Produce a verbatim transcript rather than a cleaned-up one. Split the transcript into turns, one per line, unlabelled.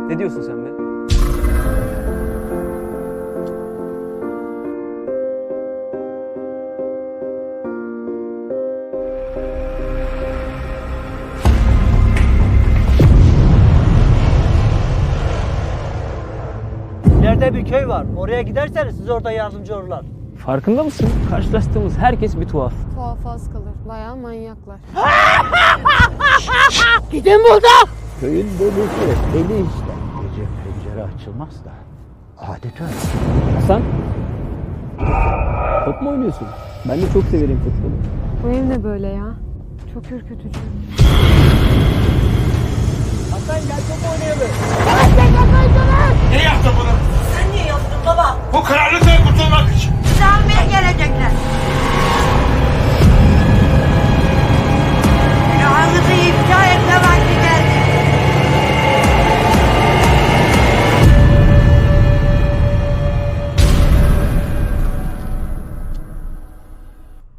Ne diyorsun sen be?
İleride bir köy var. Oraya giderseniz size orada yardımcı olurlar.
Farkında mısın? Karşılaştığımız herkes bir tuhaf.
Tuhaf az kalır. Bayağı manyaklar.
Gidin burada!
Köyün delisi, deli işte. Gece pencere açılmaz da. Adet öyle.
Hasan? Top mu oynuyorsun? Ben de çok severim futbolu.
Bu ev ne böyle ya? Çok ürkütücü.
Hasan gel top oynayalım.
Ne yaptın bunu?
Sen niye yaptın baba?
Bu kararlı